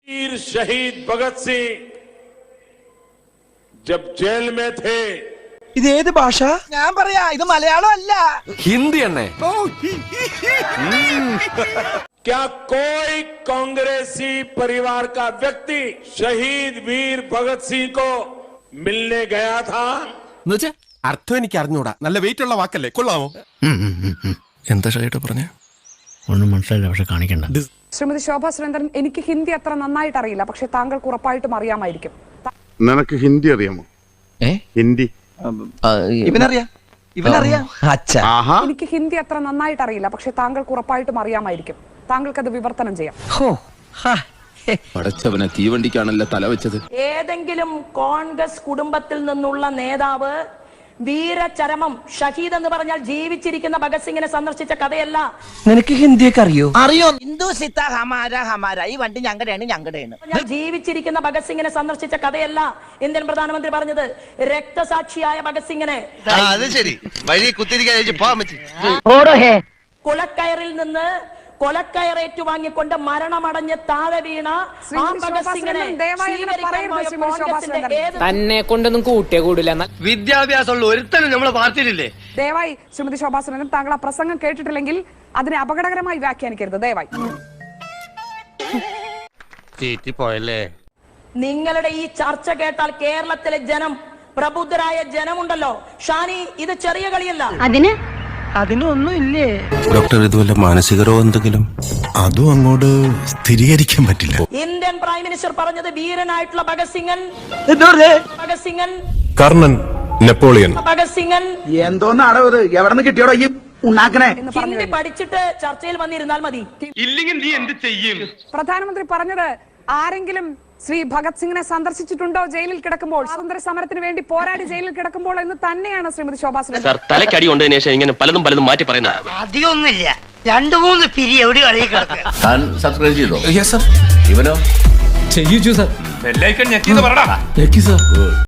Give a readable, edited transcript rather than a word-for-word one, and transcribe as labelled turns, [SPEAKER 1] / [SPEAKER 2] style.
[SPEAKER 1] वीर शहीद भगत सिंह जब जेल में थे
[SPEAKER 2] ഇത് ഏത് ഭാഷ?
[SPEAKER 3] ഞാൻ പറയാ ഇത് മലയാളം അല്ല,
[SPEAKER 2] ഹിന്ദി തന്നെ.
[SPEAKER 1] क्या कोई कांग्रेसी परिवार का व्यक्ति शहीद वीर भगत सिंह को मिलने गया था?
[SPEAKER 2] എന്നുവെച്ചാ അർത്ഥം എനിക്ക് അറിഞ്ഞൂടാ. നല്ല വെയിറ്റ് ഉള്ള വാക്കല്ലേ, കൊള്ളാമോ? എന്താ ഷൈട്ട് പറഞ്ഞ
[SPEAKER 4] ഒന്നും മനസ്സിലായില്ല, പക്ഷെ കാണിക്കണ്ട.
[SPEAKER 5] ശ്രീമതി ശോഭാ സുരേന്ദ്രൻ, എനിക്ക് ഹിന്ദി അത്ര നന്നായിട്ട് അറിയില്ല, പക്ഷെ താങ്കൾക്ക് ഉറപ്പായിട്ടും അറിയാമായിരിക്കും.
[SPEAKER 6] നിനക്ക് ഹിന്ദി അറിയാമോ? ഹിന്ദി
[SPEAKER 3] ഇവനറിയാം.
[SPEAKER 6] ആഹാ.
[SPEAKER 5] എനിക്ക് ഹിന്ദി അത്ര നന്നായിട്ട് അറിയില്ല, പക്ഷെ താങ്കൾക്ക് ഉറപ്പായിട്ടും അറിയാമായിരിക്കും. താങ്കൾക്ക് അത് വിവർത്തനം ചെയ്യാം.
[SPEAKER 7] പടച്ചവനെ തീവണ്ടിക്കാണല്ലോ തല വെച്ചത്.
[SPEAKER 8] ഏതെങ്കിലും കോൺഗ്രസ് കുടുംബത്തിൽ നിന്നുള്ള നേതാവ് വീരചരമം ഷഹീദ് എന്ന് പറഞ്ഞാൽ ജീവിച്ചിരിക്കുന്ന ഭഗത് സിംഗിനെ സന്ദർശിച്ച കഥയല്ല.
[SPEAKER 3] നിനക്ക് ഹിന്ദിയൊക്കെ അറിയോ? ഹിന്ദു സിത്ത ഹമാര ഹമാര, ഈ വണ്ടി ഞങ്ങളുടെയാണ്.
[SPEAKER 8] ജീവിച്ചിരിക്കുന്ന ഭഗത് സിംഗിനെ സന്ദർശിച്ച കഥയല്ല ഇന്ത്യൻ പ്രധാനമന്ത്രി പറഞ്ഞത്. രക്തസാക്ഷിയായ ഭഗത് സിംഗിനെ കുളക്കയറിൽ നിന്ന് കൊലക്കയറേറ്റു വാങ്ങിക്കൊണ്ട് മരണമടഞ്ഞ് താഴെ വീണ ആ ഭഗത് സിംഗിനെ
[SPEAKER 9] തന്നെ കൊണ്ടൊന്നും കൂട്ടിയേ കൂടില്ല.
[SPEAKER 3] വിദ്യാഭ്യാസമുള്ള ഒരുത്തനും നമ്മളെ പാർട്ടിയിലില്ലേ?
[SPEAKER 5] ദയവായി ശ്രീമതി ശോഭാ സുരേന്ദ്രൻ, താങ്കൾ ആ പ്രസംഗം കേട്ടിട്ടില്ലെങ്കിൽ അതിനെ അപകടകരമായി വ്യാഖ്യാനിക്കരുത് ദയവായി.
[SPEAKER 8] നിങ്ങളുടെ ഈ ചർച്ച കേട്ടാൽ കേരളത്തിലെ ജനം, പ്രബുദ്ധരായ ജനമുണ്ടല്ലോ, ഷാനി, ഇത് ചെറിയ കളിയല്ല.
[SPEAKER 3] അതിനൊന്നും ഇല്ലേ
[SPEAKER 2] ഡോക്ടർ? ഇതുവല്ല മാനസിക രോഗം എന്തെങ്കിലും? അതും അങ്ങോട്ട് സ്ഥിരീകരിക്കാൻ പറ്റില്ല.
[SPEAKER 8] ഇന്ത്യൻ പ്രൈം മിനിസ്റ്റർ പറഞ്ഞത് വീരനായിട്ടുള്ള ഭഗത് സിംഗൻ, ഭഗത് സിംഗൻ,
[SPEAKER 2] കർണൻ, നെപ്പോളിയൻ,
[SPEAKER 8] ഭഗത് സിംഗൻ
[SPEAKER 3] എന്തോന്നാടോ ഇത്? എവിടെ നിന്ന് കിട്ടിയോടോ ഈ ഉണ്ടാക്കണേ?
[SPEAKER 8] ഹിന്ദി പഠിച്ചിട്ട് ചർച്ചയിൽ വന്നിരുന്നാൽ മതി.
[SPEAKER 3] ഇല്ലെങ്കിൽ നീ എന്ത് ചെയ്യും?
[SPEAKER 5] പ്രധാനമന്ത്രി പറഞ്ഞത് ആരെങ്കിലും ശ്രീ ഭഗത് സിംഗിനെ സന്ദർശിച്ചിട്ടുണ്ടോ ജയിലിൽ കിടക്കുമ്പോൾ, സ്വാതന്ത്ര്യ സമരത്തിന് വേണ്ടി പോരാടി ജയിലിൽ കിടക്കുമ്പോൾ എന്ന് തന്നെയാണ് ശ്രീമതി ശോഭാ സുരേന്ദ്രൻ.
[SPEAKER 9] തലക്കടി കൊണ്ടതിന് ശേഷം ഇങ്ങനെ പലതും മാറ്റി പറയുന്നത്.
[SPEAKER 3] അധികമൊന്നുമില്ല, 2-3 പിരി എവിടെ കളി കിടക്കുക.
[SPEAKER 7] താൻ സബ്സ്ക്രൈബ് ചെയ്തോ?
[SPEAKER 2] Yes sir.
[SPEAKER 7] ഇവനോ?
[SPEAKER 2] ചെയ്യിച്ചു സർ.
[SPEAKER 7] ബെല്ലൈക്കൺ ഞെക്കിയത് പറടാ.